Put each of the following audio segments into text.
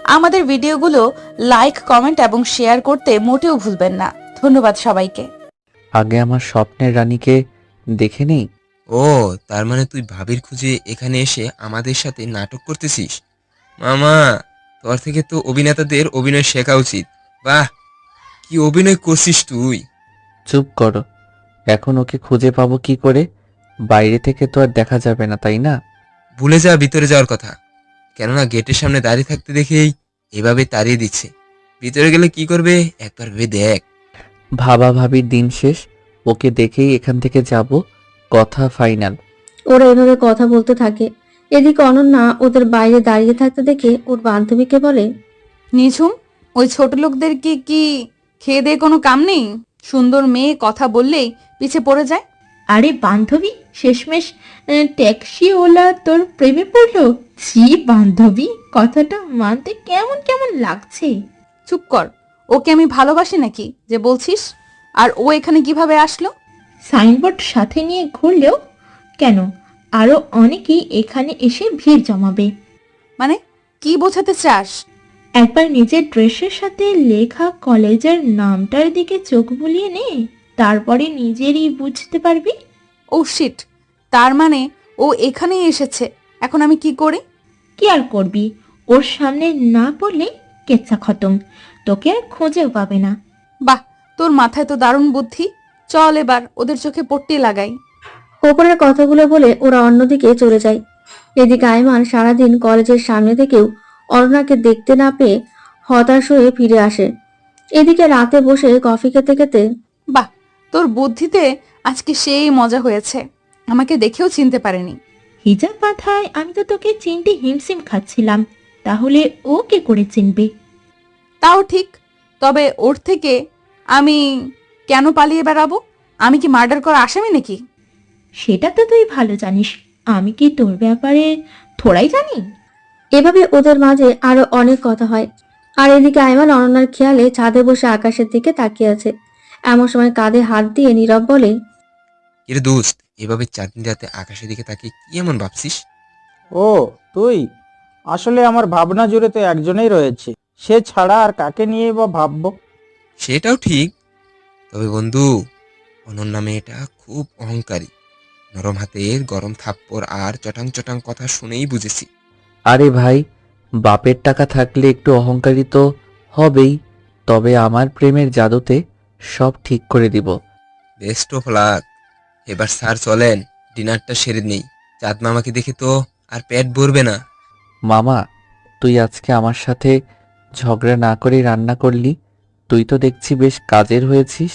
আমাদের ভিডিওগুলো like, comment এবং শেয়ার করতে মোটেও ভুলবেন না। ধন্যবাদ সবাইকে। আগে আমার স্বপ্নের রানীকে দেখে নেই। ও, তার মানে তুই ভাবির খুঁজে এখানে এসে আমাদের সাথে নাটক করতেছিস? মামা, তোর থেকে তো অভিনেতাদের অভিনয় শেখা উচিত। বাহ, কি অভিনয় করছিস তুই! চুপ করো। এখন ওকে খুঁজে পাবো কি করে? বাইরে থেকে তো আর দেখা যাবে না, তাই না? ভুলে যা ভিতরে যাওয়ার কথা। কেননা গেটের সামনে দাঁড়িয়ে থাকতে দেখেই এভাবে তাড়িয়ে দিচ্ছে। ভিতরে গেলে কি করবে একবার ভেবে দেখ। ভাবা ভাবির দিন শেষ। ওকে দেখেই এখান থেকে যাব, কথা ফাইনাল। ওরা এভাবে কথা বলতে থাকে। এদিকে অনন্যা ওদের বাইরে দাঁড়িয়ে থাকতে দেখে ওর বান্ধবীকে বলে, নিঝুম, ওই ছোট লোকদের কি খেয়ে দিয়ে কোনো কাম নেই? সুন্দর মেয়ে কথা বললেই পিছে পড়ে যায়। আরে বান্ধবী, শেষমেশ ট্যাক্সিওয়ালা তোর প্রেমে পড়লো? ছি বান্ধবী, কথাটা মানতে কেমন কেমন লাগছে। চুপ কর। ওকে আমি ভালোবাসি নাকি যে বলছিস? আর ও এখানে কিভাবে আসলো? সাইনবোর্ড সাথে নিয়ে ঘুরলেও কেন, আরো অনেকেই এখানে এসে ভিড় জমাবে। মানে কি বোঝাতে চাস? একবার নিজের ড্রেসের সাথে লেখা কলেজের নামটার দিকে চোখ বুলিয়ে নে, তারপরে নিজেরই বুঝতে পারবি। ও শিট, তার মানে ও এখানেই এসেছে। এখন আমি কি করি? কি আর করবি, ওর সামনে না পড়লে কেচ্ছা খতম, তোকে আর খুঁজেও পাবে না। বাহ, তোর মাথায় তো দারুণ বুদ্ধি। চল এবার ওদের চোখে পট্টি লাগাই। ওপরের কথাগুলো বলে ওরা অন্যদিকে চলে যায়। এদিকে আয়মান সারাদিন কলেজের সামনে থেকেও অরুণাকে দেখতে না পেয়ে হতাশ হয়ে ফিরে আসে। এদিকে রাতে বসে কফি খেতে খেতে বাহ, তোর বুদ্ধিতে আজকে সেই মজা হয়েছে। আমাকে দেখেও চিনতে পারেনি। হিজাব বাঁধায় আমি তো তোকে চিনতে হিমশিম খাচ্ছিলাম, তাহলে ও কে করে চিনবে? তাও ঠিক। তবে ওর থেকে আমি কেন পালিয়ে বেড়াবো? আমি কি মার্ডার করা আসামি নাকি? সেটা তো তুই ভালো জানিস, আমি কি তোর ব্যাপারে থোড়াই জানি? এভাবে ওদের মাঝে আরো অনেক কথা হয়। আর এদিকে আয়মান অনন্যার খেয়ালে ছাদে বসে আকাশের দিকে তাকিয়ে আছে। এমন সময় কাঁধে হাত দিয়ে নীরব বলে, এর দোস্ত, এভাবে চাঁদনি রাতে আকাশের দিকে তাকিয়ে কি এমন ভাবছিস? ও, তুই? আসলে আমার ভাবনা জুড়ে তো একজনেই রয়েছে, সে ছাড়া আর কাকে নিয়ে বা ভাববো? সেটাও ঠিক। তবে বন্ধু, অনন্যা মেয়েটা খুব অহংকারী। নরম হাতের গরম থাপ্পড় আর চটাং চটাং কথা শুনেই বুঝেছি। আরে ভাই, বাপের টাকা থাকলে একটু অহংকারী তো হবেই। তবে আমার প্রেমের জাদুতে সব ঠিক করে দিব। Best of luck. এবার স্যার চলেন, ডিনারটা সেরে নেই। চাঁদ মামাকে দেখে তো আর পেট ভরবে না। মামা, তুই আজকে আমার সাথে ঝগড়া না করেই রান্না করলি। তুই তো দেখছি বেশ কাজের হয়েছিস।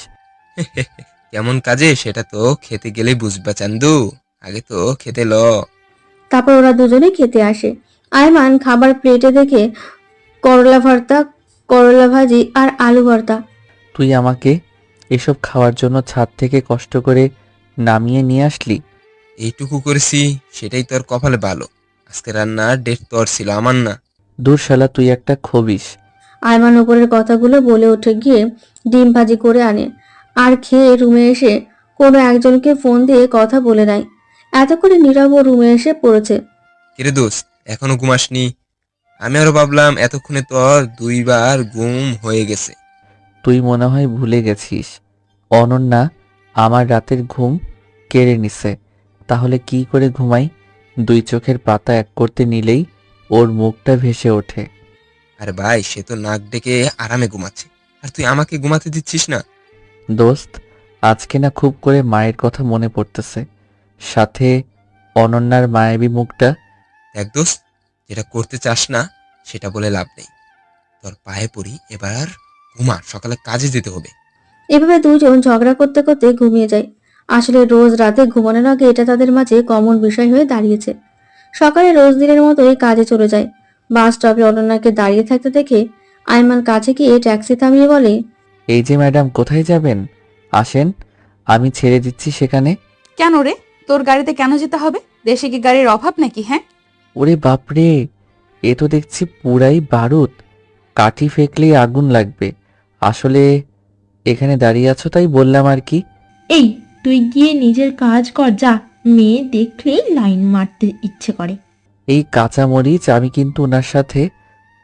কেমন কাজে সেটা তো খেতে গেলেই বুঝবা চান্দু। আগে তো খেতে ল। তারপর ওরা দুজনে খেতে আসে। আয়মান খাবার প্লেটে দেখে করলা ভর্তা, করলা ভাজি আর আলু ভর্তা। তুই আমাকে এসব খাওয়ার জন্য ছাদ থেকে কষ্ট করে নামিয়ে নিয়ে আসলি। এইটুকু করেছি, সেটাই তোর কপালে ভালো। আজকে রান্নার ডেট তোর ছিল, আমার না। দূর শালা, তুই একটা খবিস। আয়মান উপরের কথাগুলো বলে উঠে গিয়ে ডিম ভাজি করে আনে আর খেয়ে রুমে এসে কোনো একজনকে ফোন দিয়ে কথা বলে নেয়। এতক্ষণে নীরব রুমে এসে পড়েছে। কিরে দোস্ত, এখনো ঘুমাসনি? আমি আরো ভাবলাম এতক্ষণে তোর 2বার ঘুম হয়ে গেছে। তুই মনে হয় ভুলে গেছিস, অনন্যা আমার রাতের ঘুম কেড়ে নিছে। তাহলে কি করে ঘুমাই? দুই চোখের পাতা এক করতে নিলেই ওর মুখটা ভেসে ওঠে। আরে ভাই, সে তো নাক ডেকে আরামে ঘুমাচ্ছে, আর তুই আমাকে ঘুমাতে দিচ্ছিস না। দোস্ত, আজকে না খুব করে মায়ের কথা মনে পড়তেছে, সাথে অনন্যার মায়াবী মুখটা। দেখ দোস্ত, যেটা করতে চাস না সেটা বলে লাভ নেই। তোর পায়ে পড়ি, এবার ঘুমা, সকালে কাজে যেতে হবে। এভাবে দুজন ঝগড়া করতে করতে ঘুমিয়ে যায়। আসলে রোজ রাতে ঘুমানোর আগে এটা তাদের মাঝে কমন বিষয় হয়ে দাঁড়িয়েছে। সকালে রোজ দিনের মতোই কাজে চলে যায়। বাস স্টপে অনন্যাকে দাঁড়িয়ে থাকতে দেখে আয়মান কাছে গিয়ে ট্যাক্সি থামিয়ে বলে, এই যে ম্যাডাম, কোথায় যাবেন? আসেন, আমি ছেড়ে দিচ্ছি সেখানে। কেন রে? তোর গাড়িতে কেন যেতে হবে? দেশে কি গাড়ির অভাব নাকি? হ্যাঁ, ওরে বাপরে, এ তো দেখছি পুরাই বারুদ। কাঠি ফেকলেই আগুন লাগবে। আসলে এখানে দাঁড়িয়ে আছো তাই বললাম আর কি। এই, তুই গিয়ে নিজের কাজ কর যা, মেয়ে দেখলেই লাইন মারতে ইচ্ছে করে। এই কাঁচা মরিচ, আমি কিন্তু ওনার সাথে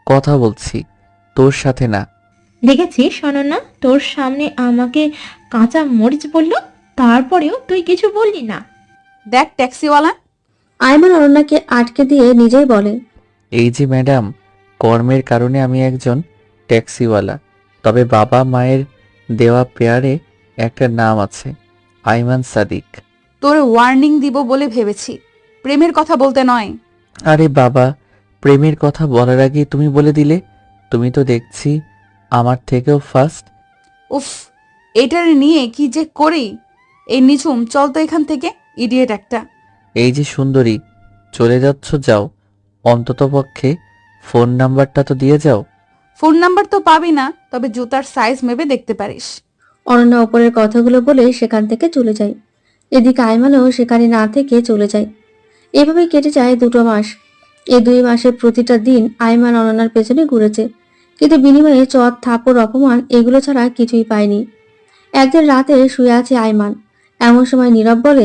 কথা বলছি, তোর সাথে না। দেখেছিস অনন্যা, তোর সামনে আমাকে কাঁচা মরিচ বলল, তারপরেও তুই কিছু বললি না। দেখ ট্যাক্সিওয়ালা, আয়মান অনন্যাকে আটকে দিয়ে নিজেই বলে, এই যে ম্যাডাম, কর্মের কারণে আমি একজন ট্যাক্সিওয়ালা, তবে বাবা মায়ের দেওয়া পেয়ারে একটা নাম আছে, আইমান সাদিক। তোর ওয়ার্নিং দিব বলে ভেবেছি, প্রেমের কথা বলতে নয়। আরে বাবা, প্রেমের কথা বলার আগে তুমি বলে দিলে। তুমি তো দেখছি আমার থেকেও ফার্স্ট। উফ, এটার নিয়ে কি যে করি। এই নিঝুম, চল তো এখান থেকে, ইডিয়েট একটা। এই যে সুন্দরী, চলে যাচ্ছ যাও, অন্ততপক্ষে ফোন নাম্বারটা তো দিয়ে যাও। ফোন নাম্বার তো পাবি না, তবে জুতার সাইজ মেপে দেখতে পারিস। অনন্যা ওপরের কথাগুলো বলে সেখান থেকে চলে যায়। এদিকে আয়মানও সেখানে না থেকে চলে যায়। এভাবে কেটে যায় 2 মাস। এই 2 মাসের প্রতিটা দিন আয়মান অনন্যার পেছনে ঘুরেছে, কিন্তু বিনিময়ে চট থাপড় অপমান এগুলো ছাড়া কিছুই পায়নি। একদিন রাতে শুয়ে আছে আয়মান, এমন সময় নীরব বলে,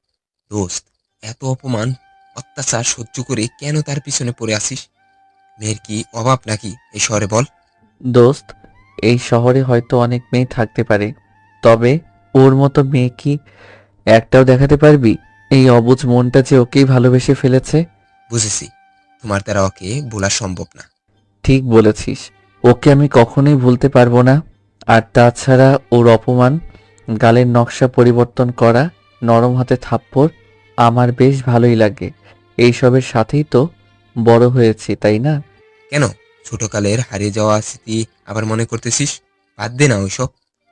দোস্ত, এত অপমান অত্যাচার সহ্য করে কেন তার পিছনে পড়ে আসিস? মেয়ের কি অভাব নাকি এই শহরে, বল? দোস্ত, এই শহরে হয়তো অনেক মেয়ে থাকতে পারে, তবে ওর মতো মেয়ে কি একটাও দেখাতে পারবি? এই অবুঝ মনটা যে ওকেই ভালোবেসে ফেলেছে। বুঝেছি, তোমার দ্বারা ওকে ভোলা সম্ভব না। ঠিক বলেছিস, ওকে আমি কখনোই ভুলতে পারবো না। আর তাছাড়া ওর অপমান, গালের নকশা পরিবর্তন করা, নরম হাতে থাপ্পড় আমার বেশ ভালোই লাগে। এইসবের সাথেই তো বড় হয়েছি, তাই না? কেন ছোটকালের হারিয়ে যাওয়া স্মৃতি আবার মনে করতেছিস? বাদ দে না ওইসব।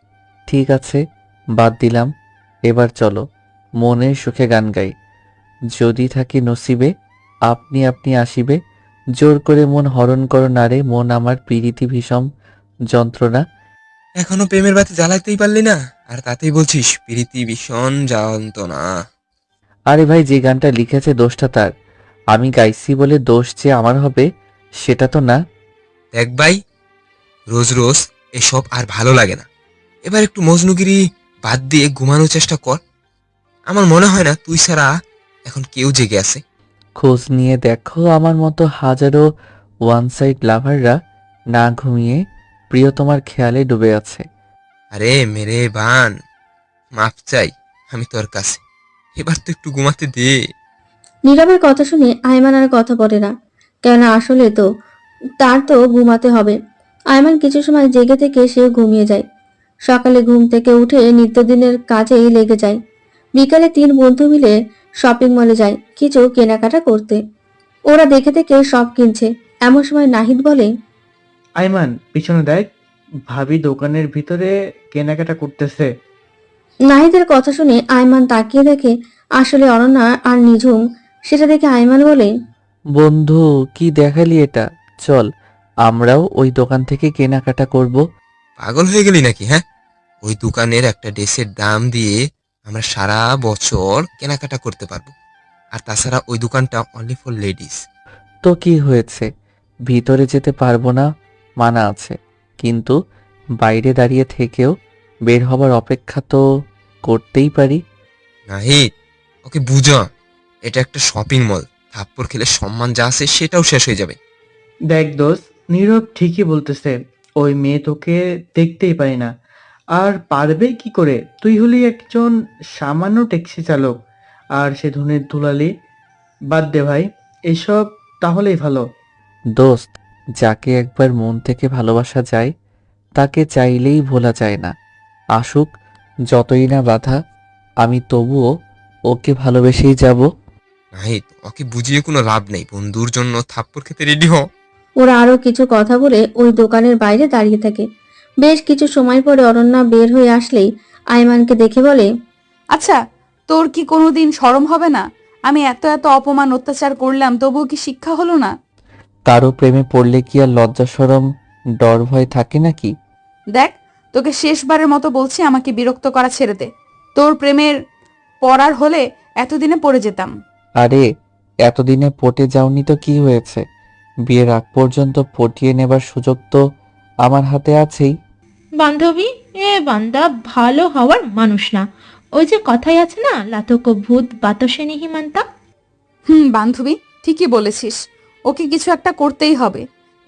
ঠিক আছে, বাদ দিলাম। এবার চলো মনের সুখে গান গাই। যদি থাকি নসিবে, আপনি আপনি আসিবে, জোর করে মন হরণ করো নারে, মন আমার পীড়িতি ভীষণ যন্ত্রণা। এখনো প্রেমের বাতি জ্বালাইতেই পারলি না, আর তাতেই বলছিস প্রীতি ভীষণ যন্ত্রণা। আরে ভাই, যে গানটা লিখেছে দোষটা তার, আমি গাইছি বলে দোষ যে আমার হবে সেটা তো না। দেখ ভাই, রোজ রোজ এসব আর ভালো লাগে না। এবার একটু মজনুগিরি বাদ দিয়ে ঘুমানোর চেষ্টা কর। আমার মনে হয় না তুই ছাড়া এখন কেউ জেগে আছে। খোঁজ নিয়ে দেখো, আমার মতো হাজারো ওয়ান সাইড লাভাররা না ঘুমিয়ে প্রিয়তমার খেয়ালে ডুবে আছে। আরে মেরে বান, মাফ চাই আমি তোর কাছে, এবার তো একটু ঘুমাতে দে। নীরবের কথা শুনে আয়মান আর কথা বলে না, কেননা আসলে তো তার তো ঘুমাতে হবে। আয়মান কিছু সময় জেগে থেকে সে ঘুমিয়ে যায়। সকালে ঘুম থেকে উঠে নিত্যদিনের কাজেই লেগে যায়। বিকালে 3 বন্ধু মিলে শপিং মলে যায় কিছু কেনাকাটা করতে। ওরা দেখে দেখে সব কিনছে। এমন সময় নাহিদ বলে, আইমান, পিছনে দেখ, ভাবি দোকানের ভিতরে কেনাকাটা করতেছে। নাহিদের কথা শুনে আয়মান তাকিয়ে দেখে আসলে অনন্যা আর নিঝুম। সেটা দেখে আয়মান বলে, বন্ধু, কি দেখালি এটা? চল আমরাও ওই দোকান থেকে কেনাকাটা করব। পাগল হয়ে গেলি নাকি? হ্যাঁ, ওই দোকানের একটা ড্রেসের দাম দিয়ে আমরা সারা বছর কেনাকাটা করতে পারবো। আর তাছাড়া ওই দোকানটা অনলি ফর লেডিস। তো কি হয়েছে, ভিতরে যেতে পারবো না মানা আছে, কিন্তু বাইরে দাঁড়িয়ে থেকেও বের হবার অপেক্ষা তো করতেই পারি। নাহিদ, ওকে বুঝা, এটা একটা শপিং মল। থাপ্পড় খেলে সম্মান যা আছে সেটাও শেষ হয়ে যাবে। দেখ দোস্ত, নীরব ঠিকই বলতেছে, ওই মেয়ে তোকে দেখতেই পাই না। আর পারবে কি করে? তুই হলি একজন সামান্য ট্যাক্সি চালক, আর সে ধনের দুলালি। বাদ দে ভাই, এসব তাহলেই ভালো। দোস্ত, যাকে একবার মন থেকে ভালোবাসা যায় তাকে চাইলেই ভোলা যায় না। আসুক যতই না বাধা, আমি তবুও ওকে ভালোবেসেই যাব। নাহিদ, ওকে বুঝিয়ে কোনো লাভ নেই। বন্ধুর জন্য থাপ্পড় খেতে রেডি হ। ওরা আরো কিছু কথা বলে ওই দোকানের বাইরে দাঁড়িয়ে থাকে। বেশ কিছু সময় পরে অনন্যা বের হয়ে আসলেই আয়মানকে দেখে বলে, আচ্ছা, তোর কি কোনোদিন শরম হবে না? আমি এত এত অপমান অত্যাচার করলাম, তবুও কি শিক্ষা হলো না? কারো প্রেমে পড়লে কি আর লজ্জা শরম ডর ভয় থাকে নাকি? দেখ, তোকে শেষবারের মতো বলছি, আমাকে বিরক্ত করা ছেড়ে দে। তোর প্রেমের পড়ার হলে এতদিনে পড়ে যেতাম। আরে, এতদিনে পটে যাওনি তো কি হয়েছে? বিয়ের আগ পর্যন্ত পটিয়ে নেবার সুযোগ তো আমার হাতে আছেই। বান্ধবী, এ বান্দা ভালো হওয়ার মানুষ না। ওই যে কথাই আছে না, লাতক ভূত বাতাসে নিহিমান্তা। বান্ধবী, ঠিকই বলেছিস, ওকে কিছু একটা করতেই হবে।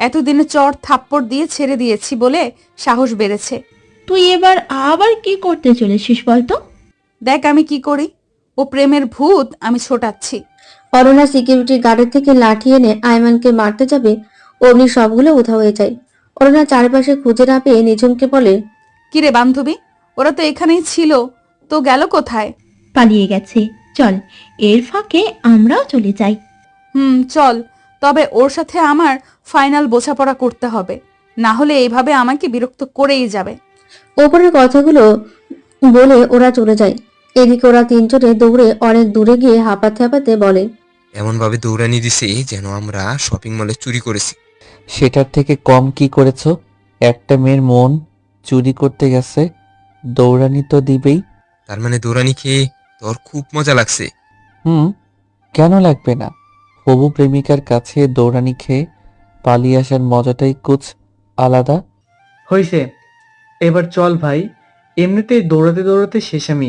এতদিনে চড় থাপ্পড় দিয়ে ছেড়ে দিয়েছি বলে সাহস বেড়েছে। তুই এবার আবার কি করতে চলেছিস বলতো? দেখ আমি কি করি। ও প্রেমের ভূত আমি ছোটাচ্ছি। অরণ্যা সিকিউরিটি গার্ডের থেকে লাঠি এনে আয়মানকে মারতে যাবে, অমনি সবগুলো উধাও হয়ে যায়। অরণ্যা চারপাশে খুঁজে না পেয়ে নিঝুমকে বলে, কিরে বান্ধবী, ওরা তো এখানেই ছিল, তো গেল কোথায়? পালিয়ে গেছে। চল, এর ফাঁকে আমরাও চলে যাই। চল। তবে ওর সাথে আমার ফাইনাল বোঝাপড়া করতে হবে, না হলে এইভাবে আমাকে বিরক্ত করেই যাবে। ওপরের কথাগুলো বলে ওরা চলে যায়। এদিকে ওরা তিনজনে দৌড়ে অনেক দূরে গিয়ে হাঁপাতে হাঁপাতে বলে, এমন ভাবে দৌড়ানি দিছে যেন আমরা শপিং মলে চুরি করেছি। সেটার থেকে কম কি করেছো? একটা মেয়ের মন চুরি করতে গেছে, দৌড়ানি তো দিবেই। তার মানে দৌড়ানি খেয়ে তোর খুব মজা লাগছে? কেন লাগবে না? হবু প্রেমিকার কাছে দৌড়ানি খেয়ে পালিয়ে আসার মজাটাই কুছ আলাদা। হইছে, এবার চল ভাই, এমনিতেই দৌড়াতে দৌড়াতে শেষ আমি।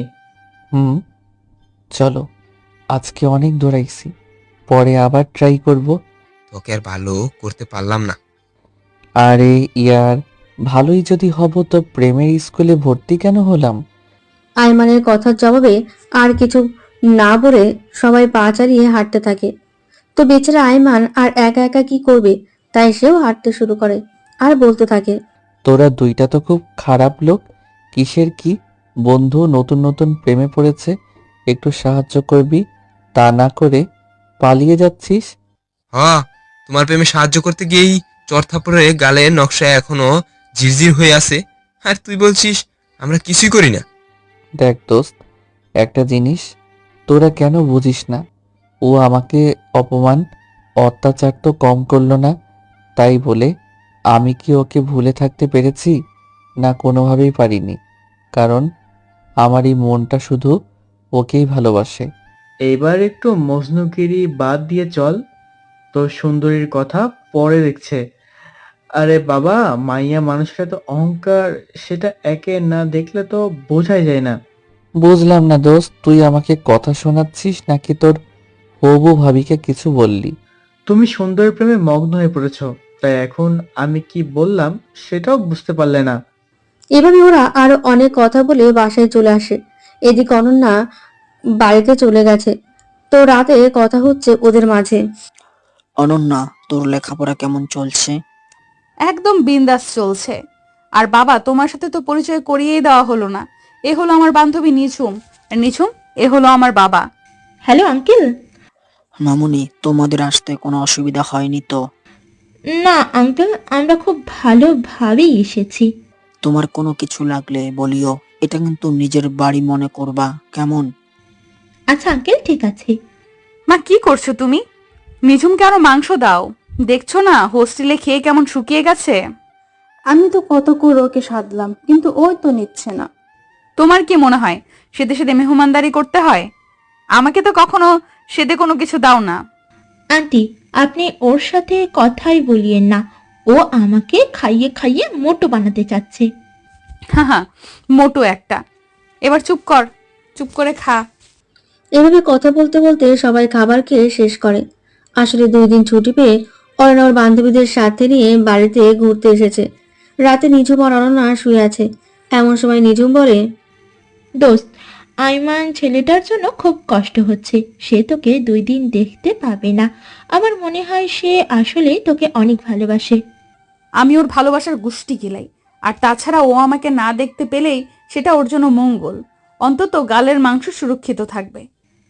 চলো, আজকে অনেক দৌড়াইছি, পরে আবার ট্রাই করব। তোকে আর ভালো করতে পারলাম না। আরে ইয়ার, ভালোই যদি হব তো প্রেমের স্কুলে ভর্তি কেন হলাম? আয়মানের কথার জবাবে আর কিছু না বলে সবাই পা চালিয়ে হাঁটতে থাকে। তো বেচারা আয়মান আর একা একা কি করবে, তাই সেও হাঁটতে শুরু করে আর বলতে থাকে, তোরা দুইটা তো খুব খারাপ লোক। কিসের কি বন্ধু নতুন নতুন প্রেমে পড়েছে, একটু সাহায্য করবি, তা না করে পালিয়ে যাচ্ছিস। তোমার প্রেমে সাহায্য করতে গিয়েই চর থাপ্পড়ে গালে নকশা এখনো ঝিরঝির হয়ে আছে, আর তুই বলছিস আমরা কিছুই করি না। দেখ দোস্ত, একটা জিনিস তোরা কেন বুঝিস না, ও আমাকে অপমান অত্যাচার তো কম করলো না, তাই বলে আমি কি ওকে ভুলে থাকতে পেরেছি? না, কোনোভাবেই পারিনি, কারণ আমার এই মনটা শুধু ওকেই ভালোবাসে। এবার একটু মজনুগিরি বাদ দিয়ে চল, তোর সুন্দরীর কথা পরে দেখছে। আরে বাবা, মাইয়া মানুষের তো অহংকার, সেটা একে না দেখলে তো বোঝাই যায় না। বুঝলাম না দোস্ত, তুই আমাকে কথা শোনাচ্ছিস নাকি তোর হবু ভাবিকে কিছু বললি? তুমি সুন্দরের প্রেমে মগ্ন হয়ে পড়েছো, তাই এখন আমি কি বললাম সেটাও বুঝতে পারলে না। এভাবে ওরা আরো অনেক কথা বলে বাসায় চলে আসে। এদিকে অনন্যা বাড়িতে চলে গেছে, তো রাতে কথা হচ্ছে ওদের মাঝে। অনন্যা, তোর লেখাপড়া কেমন চলছে? একদম বিন্দাস চলছে। আর বাবা, তোমার সাথে তো পরিচয় করিয়েই দেওয়া হলো না। এ হলো আমার বান্ধবী নিঝুম, আর নিঝুম এ হলো আমার বাবা। Hello uncle. মামুনি, তোমাদের আসতে কোনো অসুবিধা হয়নি তো? না আঙ্কেল, আমরা খুব ভালোভাবেই এসেছি। তোমার কোনো কিছু লাগলে বলিও, এটা কিন্তু নিজের বাড়ি মনে করবা, কেমন? আচ্ছা আঙ্কেল, ঠিক আছে। মা কি করছো তুমি? নিঝুমকে আরো মাংস দাও। দেখছো না হোস্টেলে খেয়ে কেমন শুকিয়ে গেছে। আমি তো কত করে ওকে সাধলাম, কিন্তু ওই তো নিচ্ছে না। তোমার কি মনে হয় সেদে সেদে মেহমানদারি করতে হয়? আমাকে তো কখনো সেদে কোনো কিছু দাও না। আন্টি, আপনি ওর সাথে কথাই বলিয়েন না। ও আমাকে খাইয়ে খাইয়ে মোটো বানাতে চাচ্ছে। হ্যাঁ, মোটু একটা। এবার চুপ কর, চুপ করে খা। এভাবে কথা বলতে বলতে সবাই খাবার খেয়ে শেষ করে। আসলে 2 দিন ছুটি পেয়ে অরণ্যা ওর বান্ধবীদের সাথে নিয়ে বাড়িতে ঘুরতে এসেছে। রাতে নিঝুম আর অরণ্যা শুয়ে আছে। এমন সময় নিঝুম বলে, দোস্ত, আইমান ছেলেটার জন্য খুব কষ্ট হচ্ছে। সে তোকে 2 দিন দেখতে পাবে না। আমার মনে হয় সে আসলে তোকে অনেক ভালোবাসে। আমি ওর ভালোবাসার গুষ্টি গিলাই। আর তাছাড়া ও আমাকে না দেখতে পেলেই সেটা ওর জন্য মঙ্গল। অন্তত গালের মাংস সুরক্ষিত থাকবে।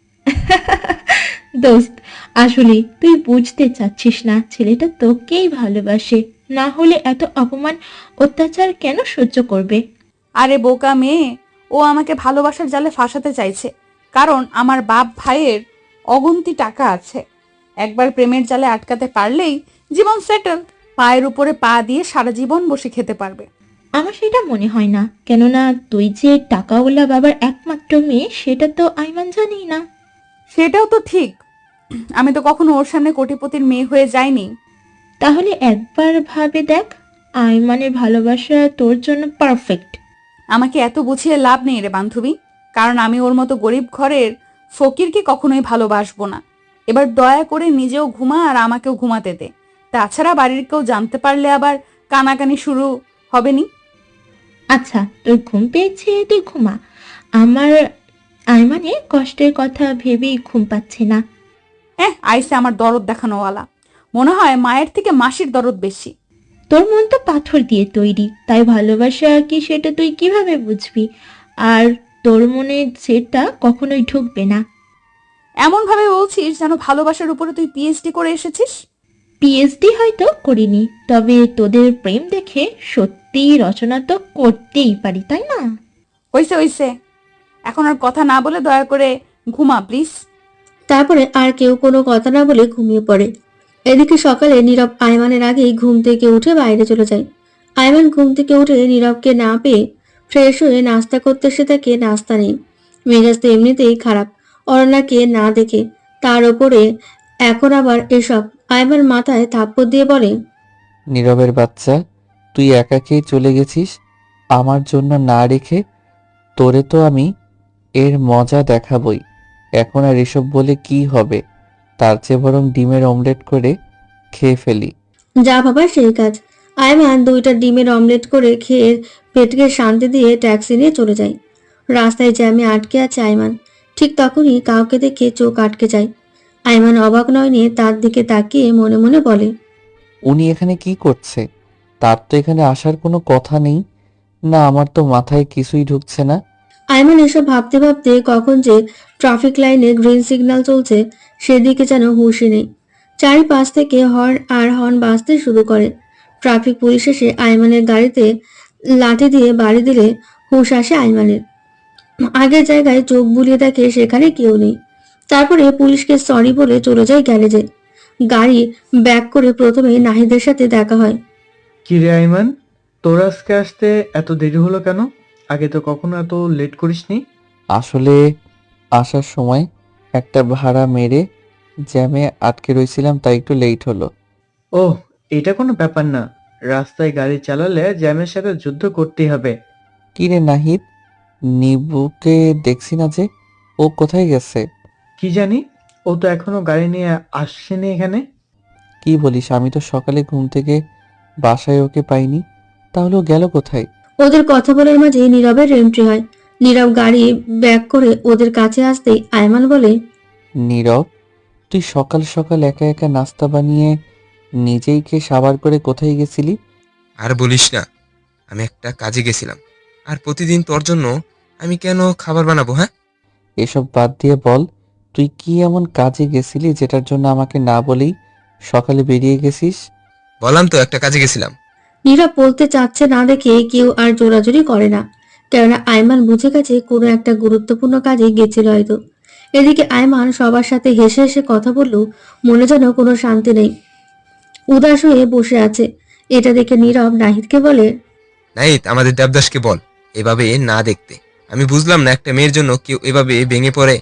দোস্ত, আসলে তুই বুঝতে চাচ্ছিস না, ছেলেটা তোকেই ভালোবাসে। না হলে এত অপমান অত্যাচার কেন সহ্য করবে? আরে বোকা মেয়ে, ও আমাকে ভালোবাসার জালে ফাঁসাতে চাইছে, কারণ আমার বাপ ভাইয়ের অগুন্তি টাকা আছে। একবার প্রেমের জালে আটকাতে পারলেই জীবন সেটেল। পায়ের উপরে পা দিয়ে সারা জীবন বসে খেতে পারবে। আমার সেটা মনে হয় না, কেননা তুই যে টাকাওয়ালা বাবার একমাত্র মেয়ে সেটা তো আইমান জানি না। সেটাও তো ঠিক। আমি তো কখনো ওর সামনে কোটিপতির মেয়ে হয়ে যাইনি। তাহলে একবার ভাবে দেখ, আইমানের ভালোবাসা তোর জন্য পারফেক্ট। আমাকে এত বুঝিয়ে লাভ নেই রে বান্ধবী, কারণ আমি ওর মতো গরিব ঘরের ফকিরকে কখনোই ভালোবাসবো না। এবার দয়া করে নিজেও ঘুমা আর আমাকেও ঘুমাতে দে। তাছাড়া বাড়ির কেউ জানতে পারলে আবার কানাকানি শুরু হবে নি। আচ্ছা, তোর ঘুম পেয়েছে, তুই ঘুমা। আমার আইমানের কষ্টের কথা ভেবেই ঘুম পাচ্ছে না। আইসে আমার দরদ দেখানোওয়ালা। মনে হয় মায়ের থেকে মাসির দরদ বেশি। তোর মন তো পাথর দিয়ে তৈরি, তাই ভালোবাসা কি সেটা তুই কিভাবে বুঝবি? আর তোর মনে সেটা কখনোই ঢুকবে না। এমন ভাবে বলছিস যেন ভালোবাসার উপরে তুই পিএইচডি করে এসেছিস। পিএইচডি হয়তো করিনি, তবে তোদের প্রেম দেখে সত্যি রচনা তো করতেই পারি, তাই না? হইছে হইছে, এখন আর কথা না বলে দয়া করে ঘুমা প্লিজ। তারপরে আর কেউ কোনো কথা না বলে ঘুমিয়ে পড়ে। এদিকে সকালে নীরব আয়মানের আগেই ঘুম থেকে উঠে বাইরে চলে যায়। আয়মান ঘুম থেকে উঠে নীরবকে না পেয়ে ফ্রেশ হয়ে নাস্তা করতে এসে তাকে নাস্তা নেই। মেজাজ তো এমনিতেই খারাপ অরণ্যাকে না দেখে, তার ওপরে এখন আবার এসব। আয়মান মাথায় থাপ্পড় দিয়ে বলে, নীরবের বাচ্চা, তুই একাকেই চলে গেছিস আমার জন্য না রেখে। তোরে তো আমি এর মজা দেখাবই। এখন আর এসব বলে কি হবে? তার চেয়ে বরং ডিমের অমলেট করে খেয়ে ফেলি। যা ভাবার সেই কাজ। আয়মান 2টা ডিমের অমলেট করে খেয়ে পেটকে শান্তি দিয়ে ট্যাক্সি নিয়ে চলে যায়। রাস্তায় জ্যামে আটকে আছে আয়মান। ঠিক তখনই কাউকে দেখে চোখ আটকে যায়। আয়মান অবাক নয়নে তার দিকে তাকিয়ে মনে মনে বলে, উনি এখানে কি করছে? তার তো এখানে আসার কোনো কথা নেই। না, আমার তো মাথায় কিছুই ঢুকছে না। আয়মান এসব ভাবতে ভাবতে কখন যে ট্রাফিক লাইনে গ্রিন সিগন্যাল চলছে সেদিকে যেন হুঁশই নেই। চারিপাশ থেকে হর্ন আর হর্ন বাজতে শুরু করে। ট্রাফিক পুলিশ এসে আয়মানের গাড়িতে লাঠি দিয়ে বাড়ি দিলে হুঁশ আসে আয়মানের। আগের জায়গায় চোখ বুলিয়ে দেখে সেখানে কেউ নেই। তারপরে পুলিশকে সরি বলে চলে যায় গ্যারেজে। গাড়ি ব্যাক করে প্রথমে নাহিদের সাথে দেখা হয়। কি রে আইমান, তোর আজকে আসতে এত দেরি হলো কেন? আগে তো কখনো এত লেট করিসনি। আসলে আসার সময় একটা ভাড়া মেরে জ্যামে আটকে রইছিলাম, তাই একটু লেট হলো। ওহ, এটা কোনো ব্যাপার না। রাস্তায় গাড়ি চালালে জ্যামের সাথে যুদ্ধ করতেই হবে। কি রে নাহিদ, নিবুকে দেখছি না যে, ও কোথায় গেছে? কি জানি, ও তো এখনো গাড়ি নিয়ে আসছেনি এখানে। কি বলিস? আমি তো সকালে ঘুম থেকে বাসায় ওকে পাইনি। তাহলে ও গেল কোথায়? ওদের কথা বলার মাঝে নীরবের এন্ট্রি হয়। নীরব গাড়ি ব্যাক করে ওদের কাছে আসতেই আয়মান বলে, নীরব, তুই সকাল সকাল একা একা নাস্তা বানিয়ে নিজেই খেয়ে সাবার করে কোথায় গেছিলি? আর বলিস না, আমি একটা কাজে গেছিলাম। আর প্রতিদিন তোর জন্য আমি কেন খাবার বানাবো? হ্যাঁ, এসব বাদ দিয়ে বল, তুই কি এমন কাজে গেছিলি যেটার জন্য আমাকে না বলেই সকালে বেরিয়ে গেছিস? বললাম তো একটা কাজে গেছিলাম। নীরব বলতে চাচ্ছে না দেখে কেউ আর জোরাজুরি করে না, কেননা আয়মান বুঝে গেছে কোনো একটা গুরুত্বপূর্ণ কাজে গেছিল হয়তো। এদিকে আয়মান সবার সাথে হেসে হেসে কথা বললেও মনে যেন কোনো শান্তি নেই, উদাস হয়ে বসে আছে। এটা দেখে নীরব নাহিদকে বলে, নাহিদ, আমাদের দেবদাসকে বল এভাবে না দেখতে। আমি বুঝলাম না একটা মেয়ের জন্য কেউ এভাবে ভেঙে পড়ে।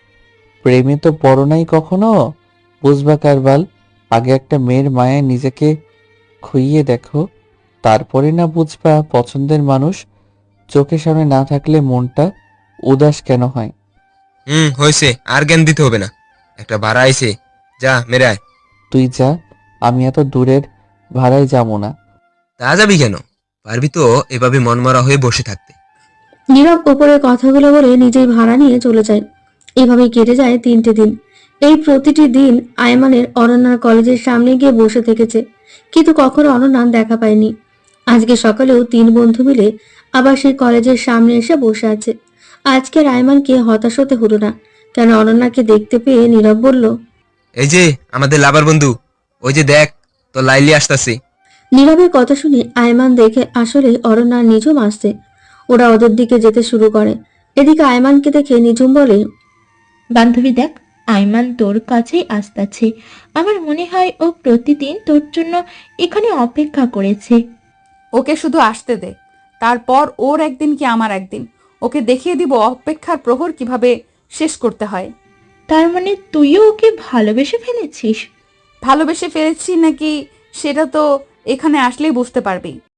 প্রেমে তো পড়ো নাই কখনো, বুঝবা কারবাল। আগে একটা মেয়ের মায়ায় নিজেকে খুইয়ে দেখো, তারপরে না বুঝবা পছন্দের মানুষ চোখের সামনে না থাকলে মনটা উদাস কেন হয়। হয়েছে, আর জ্ঞান দিতে হবে না। একটা ভাড়া আইছে, যা মেরে আয়। তুই যা, আমি এত দূরের ভাড়ায় যাবো না। তা যাবি কেন? পারবি তো এভাবে মনমরা হয়ে বসে থাকতে। নীরব ওপরের কথাগুলো বলে নিজেই ভাড়া নিয়ে চলে যায়। এভাবে কেটে যায় 3টে দিন। এই প্রতিটি দিন আয়মানের অনন্যার কলেজের সামনে গিয়ে বসে থেকেছে, কিন্তু কখনো অনন্যা দেখা পায়নি। আজকে সকালেও 3 বন্ধু মিলে আবার সেই কলেজের সামনে এসে বসে আছে। আজকের আয়মানকে হতাশ হতে হলো না, কেন অনন্যাকে দেখতে পেয়ে নীরব বলল, এই যে আমাদের লাভার বন্ধু, ওই যে দেখ, তো লাইলি আসতেছে। নীরবের কথা শুনে আয়মান দেখে আসলে অরণ্যার নিঝুম আসছে। ওরা ওদের দিকে যেতে শুরু করে। এদিকে আয়মানকে দেখে নিঝুম বলে, বান্ধবী দেখ, আইমান তোর কাছেই আসতেছে। আমার মনে হয় ও প্রতিদিন তোর জন্য এখানে অপেক্ষা করেছে। ওকে শুধু আসতে দে, তারপর ওর একদিন কি আমার একদিন। ওকে দেখিয়ে দিব অপেক্ষার প্রহর কিভাবে শেষ করতে হয়। তার মানে তুইও ওকে ভালোবেসে ফেলেছিস? ভালোবেসে ফেলেছি নাকি সেটা তো এখানে আসলেই বুঝতে পারবি।